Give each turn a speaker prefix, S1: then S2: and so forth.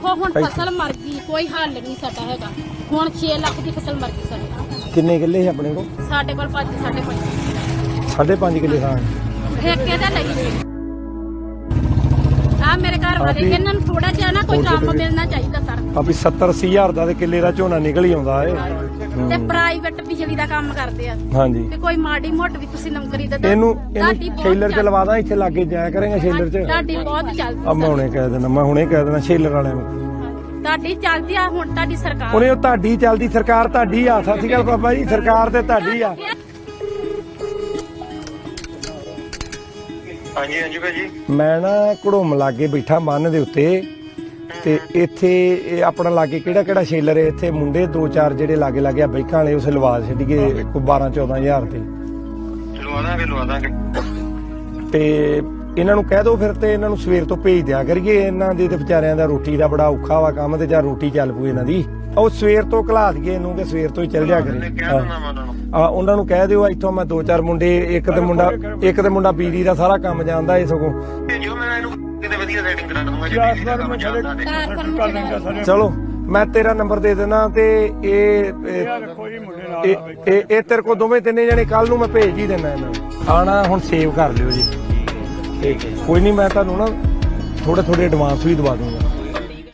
S1: ਵੇਖੋ ਹੁਣ ਫਸਲ ਮਰ ਗਈ, ਕੋਈ ਹੱਲ ਨਹੀਂ ਸਾਡਾ ਹੈਗਾ। ਹੁਣ 6 ਲੱਖ ਦੀ ਫਸਲ ਮਰ ਗਈ ਸਾਡੀ।
S2: ਕਿੰਨੇ ਕਿੱਲੇ ਸੀ ਆਪਣੇ ਕੋਲ?
S1: ਸਾਡੇ ਕੋਲ 5.5
S2: 5.5 ਕਿੱਲੇ ਥਾਂ
S1: ਠੇਕੇ ਤੇ ਲਈ ਸੀ। ਆ ਮੇਰੇ ਘਰ ਵਾਲੇ ਇਹਨਾਂ ਨੂੰ ਥੋੜਾ ਜਿਹਾ ਨਾ ਕੋਈ ਕੰਮ ਮਿਲਣਾ ਚਾਹੀਦਾ ਸਰ।
S2: ਆਪੀ 70-80 ਹਜ਼ਾਰ ਦਾ ਤੇ ਕਿੱਲੇ ਦਾ ਝੋਨਾ ਨਿਕਲ ਹੀ ਆਉਂਦਾ ਏ।
S1: ਤੇ ਪ੍ਰਾਈਵੇਟ ਬਿਜਲੀ ਦਾ ਕੰਮ ਕਰਦੇ ਆ।
S2: ਹਾਂਜੀ
S1: ਤੇ ਕੋਈ ਮਾੜੀ ਮੋਟ ਵੀ ਤੁਸੀਂ ਨੌਕਰੀ ਦੇ ਦਿਓ।
S2: ਇਹਨੂੰ ਸ਼ੇਲਰ ਚ ਲਵਾ ਦਾਂ, ਇੱਥੇ ਲਾਗੇ ਜਾਇਆ ਕਰੇਗਾ ਸ਼ੇਲਰ ਚ।
S1: ਤੁਹਾਡੀ ਬਹੁਤ ਚੱਲਦੀ।
S2: ਆ ਮੈਂ ਹੁਣੇ ਕਹਿ ਦੇਣਾ ਸ਼ੇਲਰ ਵਾਲਿਆਂ ਨੂੰ।
S1: ਤੁਹਾਡੀ ਚੱਲਦੀ ਆ ਹੁਣ ਤੁਹਾਡੀ ਸਰਕਾਰ।
S2: ਉਹਨੇ ਉਹ ਤੁਹਾਡੀ ਚੱਲਦੀ ਸਰਕਾਰ ਤੁਹਾਡੀ ਆ। ਸਤਿ ਸ਼੍ਰੀ ਅਕਾਲ ਬਾਬਾ ਜੀ, ਸਰਕਾਰ ਤੇ ਤੁਹਾਡੀ ਆ।
S3: ਹਾਂਜੀ ਹਾਂਜੀ ਭਾਜੀ।
S2: ਮੈਂ ਨਾ ਘੜੋਮ ਲਾਗੇ ਬੈਠਾ ਬੰਨ ਦੇ ਉੱਤੇ ਤੇ ਇੱਥੇ ਇਹ ਆਪਣਾ ਲਾਗੇ ਕਿਹੜਾ ਸ਼ੇਲਰ ਹੈ। ਇੱਥੇ ਮੁੰਡੇ 2-4 ਜਿਹੜੇ ਲਾਗੇ ਆ ਬਾਈਕਾਂ ਵਾਲੇ ਉਸ ਲਵਾ ਛੱਡੀਏ ਕੋਈ 12-14 ਹਜ਼ਾਰ ਤੇ
S3: ਲਵਾ ਦਾਂਗੇ
S2: ਤੇ ਇਹਨਾਂ ਨੂੰ ਕਹਿ ਦੋ ਫਿਰ ਤੇ ਇਹਨਾਂ ਨੂੰ ਸਵੇਰ ਤੋਂ ਭੇਜ ਦਿਆ ਕਰੀਏ। ਇਹਨਾਂ ਦੇ ਤੇ ਵਿਚਾਰਿਆਂ ਦਾ ਰੋਟੀ ਦਾ ਬੜਾ ਔਖਾ ਵਾ ਕੰਮ ਤੇ ਜਾਂ ਰੋਟੀ ਚੱਲ ਪੂ ਇਹਨਾਂ ਦੀ। ਉਹ ਸਵੇਰ ਤੋਂ ਘਲਾ ਦਈਏ ਇਹਨੂੰ ਕਿ ਸਵੇਰ ਤੋਂ ਹੀ ਚੱਲ ਜਾ ਕਰੇ। ਉਹਨਾਂ ਨੂੰ ਕਹਿ ਦਿਓ ਇੱਥੋਂ ਮੈਂ 2-4 ਮੁੰਡੇ ਇੱਕ ਤੇ ਮੁੰਡਾ ਬਿਜਲੀ ਦਾ ਸਾਰਾ ਕੰਮ ਜਾਣਦਾ ਇਹ ਸਗੋਂ। ਚਲੋ ਮੈਂ ਤੇਰਾ ਨੰਬਰ ਦੇ ਦੇਣਾ ਤੇ ਇਹ ਤੇਰੇ ਕੋਲ ਦੋਵੇਂ ਤਿੰਨੇ ਜਣੇ ਕੱਲ ਨੂੰ ਮੈਂ ਭੇਜ ਹੀ ਦੇਣਾ ਇਹਨਾਂ ਨੂੰ। ਆਣਾ ਹੁਣ ਸੇਵ ਕਰ ਲਿਓ ਜੀ। ਕੋਈ ਨਹੀਂ ਮੈਂ ਤੁਹਾਨੂੰ ਨਾ ਥੋੜੇ ਐਡਵਾਂਸ ਵੀ ਦਵਾ ਦੂੰਗਾ।